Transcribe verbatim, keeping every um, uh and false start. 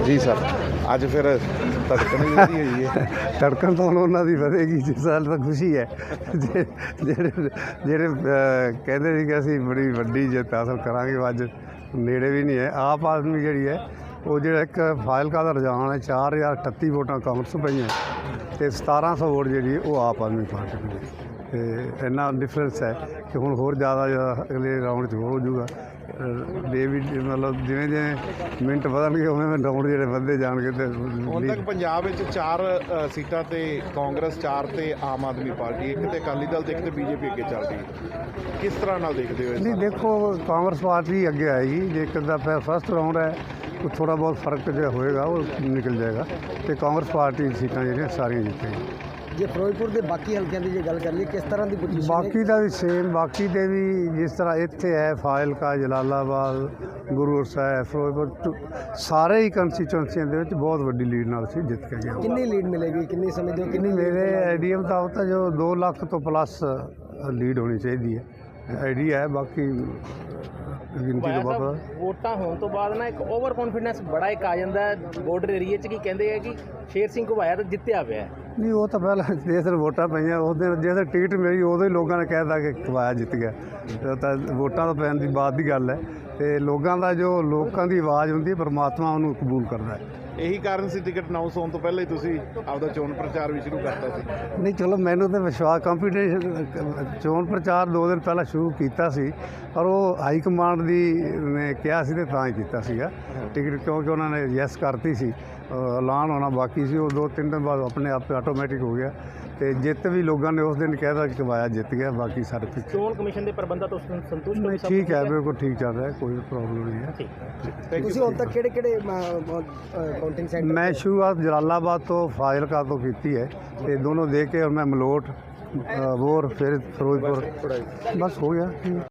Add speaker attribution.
Speaker 1: ਜੀ ਸਰ, ਅੱਜ ਫਿਰ ਧੜਕਣ ਵੀ ਵਧੀ ਹੋਈ ਹੈ।
Speaker 2: ਧੜਕਣ ਤਾਂ ਹੁਣ ਉਹਨਾਂ ਦੀ ਵਧੇਗੀ ਜਿਸ ਸਾਲ ਤਾਂ ਖੁਸ਼ੀ ਹੈ। ਜੇ- ਜਿਹੜੇ ਜਿਹੜੇ ਅਹ, ਕਹਿੰਦੇ ਸੀ ਕਿ ਅਸੀਂ ਬੜੀ ਵੱਡੀ ਜਿੱਤ ਹਾਸਲ ਕਰਾਂਗੇ, ਉਹ ਅੱਜ ਨੇੜੇ ਵੀ ਨਹੀਂ ਹੈ। ਆਪ ਆਦਮੀ ਜਿਹੜੀ ਹੈ ਉਹ ਜਿਹੜਾ ਇੱਕ ਫਾਜ਼ਿਲਕਾ ਦਾ ਰੁਝਾਨ ਹੈ, ਚਾਰ ਹਜ਼ਾਰ ਅਠੱਤੀ ਵੋਟਾਂ ਕਾਂਗਰਸ ਪਈਆਂ ਅਤੇ ਸਤਾਰਾਂ ਸੌ ਵੋਟ ਜਿਹੜੀ ਉਹ ਆਪ ਆਦਮੀ ਪਾਰਟੀ ਨੂੰ ਹੈ। ਅਤੇ ਇੰਨਾ ਡਿਫਰੈਂਸ ਹੈ ਕਿ ਹੁਣ ਹੋਰ ਜ਼ਿਆਦਾ ਜ਼ਿਆਦਾ ਅਗਲੇ ਰਾਊਂਡ 'ਚ ਹੋ ਜਾਊਗਾ। ਡੇ ਵੀ ਮਤਲਬ ਜਿਵੇਂ ਜਿਵੇਂ ਮਿੰਟ ਵਧਣਗੇ ਉਵੇਂ ਉਵੇਂ ਰਾਊਂਡ ਜਿਹੜੇ ਵੱਧਦੇ ਜਾਣਗੇ। ਅਤੇ
Speaker 1: ਹੁਣ ਤੱਕ ਪੰਜਾਬ ਵਿੱਚ ਚਾਰ ਅ, ਸੀਟਾਂ ਤੇ ਕਾਂਗਰਸ, ਚਾਰ ਤੇ ਆਮ ਆਦਮੀ ਪਾਰਟੀ, ਇੱਕ ਤੇ ਅਕਾਲੀ ਦਲ ਤੇ ਇੱਕ ਤੇ ਬੀਜੇਪੀ ਅੱਗੇ ਚੱਲ ਰਹੀ ਹੈ। ਕਿਸ ਤਰ੍ਹਾਂ ਨਾਲ ਦੇਖਦੇ ਹੋ ਇਸ
Speaker 2: ਨਹੀਂ,
Speaker 1: ਨੂੰ?
Speaker 2: ਦੇਖੋ ਕਾਂਗਰਸ ਪਾਰਟੀ ਅੱਗੇ ਆਏਗੀ। ਜੇ ਇੱਕ ਦਾ ਫਸਟ ਰਾਊਂਡ ਹੈ ਉਹ ਥੋੜ੍ਹਾ ਬਹੁਤ ਫਰਕ ਜਿਹੜਾ ਹੋਏਗਾ ਉਹ ਨਿਕਲ ਜਾਏਗਾ ਅਤੇ ਕਾਂਗਰਸ ਪਾਰਟੀ ਦੀ ਸੀਟਾਂ ਜਿਹੜੀਆਂ ਸਾਰੀਆਂ ਜਿੱਤੇਗੀ।
Speaker 3: ਜੇ ਫਿਰੋਜ਼ਪੁਰ ਦੇ ਬਾਕੀ ਹਲਕਿਆਂ ਦੀ ਜੇ ਗੱਲ ਕਰ ਲਈਏ, ਕਿਸ ਤਰ੍ਹਾਂ ਦੀ ਪੋਜੀਸ਼ਨ
Speaker 2: ਬਾਕੀ ਦਾ ਵੀ ਸੇਮ, ਬਾਕੀ ਦੇ ਵੀ ਜਿਸ ਤਰ੍ਹਾਂ ਇੱਥੇ ਹੈ ਫਾਜ਼ਿਲਕਾ, ਜਲਾਲਾਬਾਦ, ਗੁਰੂ ਸਾਹਿਬ, ਫਿਰੋਜ਼ਪੁਰ ਟੁ- ਸਾਰੇ ਹੀ ਕੰਸਟੀਚੁਐਂਸੀਆਂ ਦੇ ਵਿੱਚ ਬਹੁਤ ਵੱਡੀ ਲੀਡ ਨਾਲ ਅਸੀਂ ਜਿੱਤ ਕੇ ਗਏ।
Speaker 3: ਕਿੰਨੀ ਲੀਡ ਮਿਲੇਗੀ, ਕਿੰਨੀ ਸਮਝਦੇ ਹੋ?
Speaker 2: ਕਿੰਨੀ ਮੇਰੇ ਆਈਡੀਆ ਮੁਤਾਬਕ ਤਾਂ ਜੋ ਦੋ ਲੱਖ ਤੋਂ ਪਲੱਸ ਲੀਡ ਹੋਣੀ ਚਾਹੀਦੀ ਹੈ। ਆਈਡੀਆ ਹੈ, ਬਾਕੀ ਗਿਣਤੀ ਤੋਂ ਬਾਅਦ
Speaker 4: ਵੋਟਾਂ ਹੋਣ ਤੋਂ ਬਾਅਦ ਨਾ ਇੱਕ ਓਵਰ ਕੌਨਫੀਡੈਂਸ ਬੜਾ ਇੱਕ ਆ ਜਾਂਦਾ ਬਾਰਡਰ ਏਰੀਆ 'ਚ, ਕੀ ਕਹਿੰਦੇ ਆ ਕਿ ਸ਼ੇਰ ਸਿੰਘ ਘੁਬਾਇਆ ਤਾਂ ਜਿੱਤਿਆ ਪਿਆ ਹੈ।
Speaker 2: ਨਹੀਂ, ਉਹ ਤਾਂ ਪਹਿਲਾਂ ਜਿਸ ਦਿਨ ਵੋਟਾਂ ਪਈਆਂ ਉਸ ਦਿਨ ਜਿਸ ਦਿਨ ਟਿਕਟ ਮਿਲੀ ਉਦੋਂ ਹੀ ਲੋਕਾਂ ਨੇ ਕਹਿ ਦਿੱਤਾ ਕਿ ਕਵਾਇਆ ਜਿੱਤ ਗਿਆ। ਉਹ ਤਾਂ ਵੋਟਾਂ ਤੋਂ ਪੈਣ ਦੀ ਬਾਅਦ ਦੀ ਗੱਲ ਹੈ। ਅਤੇ ਲੋਕਾਂ ਦਾ ਜੋ ਲੋਕਾਂ ਦੀ ਆਵਾਜ਼ ਹੁੰਦੀ ਹੈ, ਪਰਮਾਤਮਾ ਉਹਨੂੰ ਕਬੂਲ ਕਰਦਾ ਹੈ।
Speaker 1: ਇਹੀ ਕਾਰਨ ਸੀ ਟਿਕਟ ਅਨਾਉਂਸ ਹੋਣ ਤੋਂ ਪਹਿਲਾਂ ਹੀ ਤੁਸੀਂ ਆਪਦਾ ਚੋਣ ਪ੍ਰਚਾਰ ਵੀ ਸ਼ੁਰੂ ਕਰਤਾ ਸੀ।
Speaker 2: ਨਹੀਂ, ਚਲੋ ਮੈਨੂੰ ਤਾਂ ਵਿਸ਼ਵਾਸ, ਕੰਪੀਟੀਸ਼ਨ ਚੋਣ ਪ੍ਰਚਾਰ ਦੋ ਦਿਨ ਪਹਿਲਾਂ ਸ਼ੁਰੂ ਕੀਤਾ ਸੀ, ਪਰ ਉਹ ਹਾਈ ਕਮਾਂਡ ਦੀ ਨੇ ਕਿਹਾ ਸੀ ਅਤੇ ਤਾਂ ਹੀ ਕੀਤਾ ਸੀਗਾ ਟਿਕਟ, ਕਿਉਂਕਿ ਉਹਨਾਂ ਨੇ ਯੈਸ ਕਰਤੀ ਸੀ। ਅ, ਐਲਾਨ ਹੋਣਾ ਬਾਕੀ ਸੀ, ਉਹ ਦੋ ਤਿੰਨ ਦਿਨ ਬਾਅਦ ਆਪਣੇ ਆਪ ਆਟੋਮੈਟਿਕ ਹੋ ਗਿਆ। ਅਤੇ ਜਿੱਤ ਵੀ ਲੋਕਾਂ ਨੇ ਉਸ ਦਿਨ ਕਹਿ ਦਿੱਤਾ ਕਿ ਕਵਾਇਆ ਜਿੱਤ ਗਿਆ, ਬਾਕੀ ਸਾਰੇ ਪਿੱਛੇ।
Speaker 4: ਚੋਣ ਕਮਿਸ਼ਨ ਦੇ ਪ੍ਰਬੰਧਾਂ ਤੋਂ ਸੰ- ਸੰਤੁਸ਼ਟ ਹੋ
Speaker 2: ਨਹੀਂ,
Speaker 4: ਸਭ
Speaker 2: ਠੀਕ
Speaker 4: ਕੁਝ
Speaker 2: ਹੈ, ਬਿਲਕੁਲ ਠੀਕ ਚੱਲ ਰਿਹਾ, ਕੋਈ ਪ੍ਰੋਬਲਮ ਨਹੀਂ ਹੈ।
Speaker 4: ਠੀਕ।
Speaker 3: ਤੁਸੀਂ ਹੁਣ ਤੱਕ ਕਿਹੜੇ ਕਿਹੜੇ ਕਾਊਂਟਿੰਗ ਸੈਂਟਰ
Speaker 2: ਮੈਂ ਸ਼ੁਰੂਆਤ ਜਲਾਲਾਬਾਦ ਤੋਂ ਫਾਜ਼ਿਲਕਾ ਤੋਂ ਕੀਤੀ ਹੈ ਅਤੇ ਦੋਨੋਂ ਦੇਖ ਕੇ, ਔਰ ਮੈਂ ਮਲੋਟ, ਅ, ਬੋਰ, ਫਿਰ ਫਿਰੋਜ਼ਪੁਰ, ਬਸ ਹੋ ਗਿਆ।